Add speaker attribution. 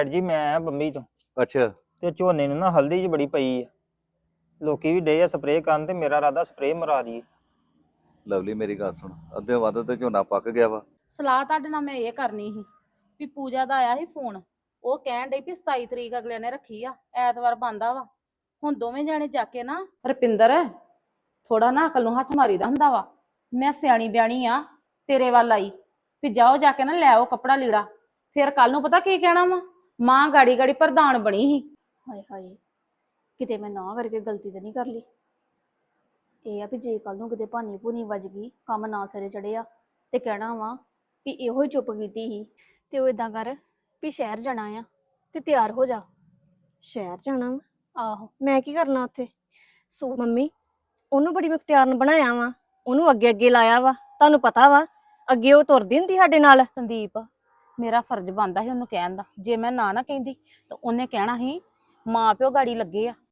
Speaker 1: ਜੀ ਮੈਂ ਆਇਆ ਬੰਬਈ ਤੋਂ
Speaker 2: ਅੱਛਾ।
Speaker 1: ਤੇ ਝੋਨੇ ਨੂੰ ਨਾ ਹਲਦੀ ਜੀ ਬੜੀ ਪਈ ਆ। ਲੋਕੀ ਵੀ ਡੇ ਆ ਸਪਰੇਅ ਕਰਨ ਤੇ ਮੇਰਾ ਇਰਾਦਾ ਸਪਰੇਅ ਮਰਾ ਦਈਏ।
Speaker 2: ਲਵਲੀ ਮੇਰੀ ਗੱਲ ਸੁਣ, ਅੱਧੇ ਵੱਧ ਤੇ ਝੋਨਾ ਪੱਕ ਗਿਆ ਵਾ।
Speaker 3: ਸਲਾਹ ਤੁਹਾਡੇ ਨਾਲ ਮੈਂ ਇਹ ਕਰਨੀ ਸੀ ਵੀ ਪੂਜਾ ਦਾ ਆਇਆ ਸੀ ਫੋਨ। ਉਹ ਕਹਿਣ ਡਈ ਵੀ 27 ਤਰੀਕ ਅਗਲੇ ਨੇ ਰੱਖੀ ਆ, ਐਤਵਾਰ ਬੰਦਾ ਵਾ। ਹੁਣ ਦੋਵੇਂ ਜਾਣੇ ਜਾ ਕੇ ਨਾ ਰੁਪਿੰਦਰ ਥੋੜਾ ਨਾ ਅਕਲ ਨੂੰ ਹੱਥ ਮਾਰੀਦਾ ਹੁੰਦਾ ਵਾ। ਮੈਂ ਸਿਆਣੀ ਬਿਆਣੀ ਆ, ਤੇਰੇ ਵੱਲ ਆਈ ਵੀ ਜਾਓ ਜਾ ਕੇ ਨਾ ਲੈ ਆਓ ਕੱਪੜਾ ਲੀੜਾ। ਫਿਰ ਕੱਲ ਨੂੰ ਪਤਾ ਕੀ ਕਹਿਣਾ ਵਾ, ਮਾਂ ਗਾੜੀ ਗਾੜੀ ਪ੍ਰਧਾਨ ਬਣੀ ਸੀ।
Speaker 4: ਹਾਏ ਹਾਏ, ਕਿਤੇ ਮੈਂ ਨਾ ਕਰਕੇ ਗਲਤੀ ਤੇ ਨਹੀਂ ਕਰ ਲਈ। ਇਹ ਆ ਵੀ ਜੇ ਕੱਲ ਨੂੰ ਕਿਤੇ ਭਾਨੀ ਭੂਨੀ ਵੱਜ ਗਈ, ਕੰਮ ਨਾ ਸਿਰੇ ਚੜਿਆ ਤੇ ਕਹਿਣਾ ਵਾ ਵੀ ਇਹੋ ਹੀ ਚੁੱਪ ਕੀਤੀ ਸੀ। ਤੇ ਉਹ ਇਦਾਂ ਕਰ ਵੀ ਸ਼ਹਿਰ ਜਾਣਾ ਆ ਤੇ ਤਿਆਰ ਹੋ ਜਾ।
Speaker 5: ਸ਼ਹਿਰ ਜਾਣਾ ਵਾ?
Speaker 4: ਆਹੋ
Speaker 5: ਮੈਂ ਕੀ ਕਰਨਾ ਉੱਥੇ?
Speaker 4: ਸੋ
Speaker 5: ਮੰਮੀ, ਉਹਨੂੰ ਬੜੀ ਮੁਖਤਿਆਰਨ ਬਣਾਇਆ ਵਾ, ਉਹਨੂੰ ਅੱਗੇ ਅੱਗੇ ਲਾਇਆ ਵਾ। ਤੁਹਾਨੂੰ ਪਤਾ ਵਾ ਅੱਗੇ ਉਹ ਤੁਰਦੀ ਹੁੰਦੀ ਸਾਡੇ ਨਾਲ।
Speaker 3: ਸੰਦੀਪ, ਮੇਰਾ ਫਰਜ਼ ਬਣਦਾ ਸੀ ਉਹਨੂੰ ਕਹਿਣ ਦਾ। ਜੇ ਮੈਂ ਨਾ ਕਹਿੰਦੀ ਤਾਂ ਉਹਨੇ ਕਹਿਣਾ ਸੀ ਮਾਂ ਪਿਓ ਗਾੜੀ ਲੱਗੇ ਆ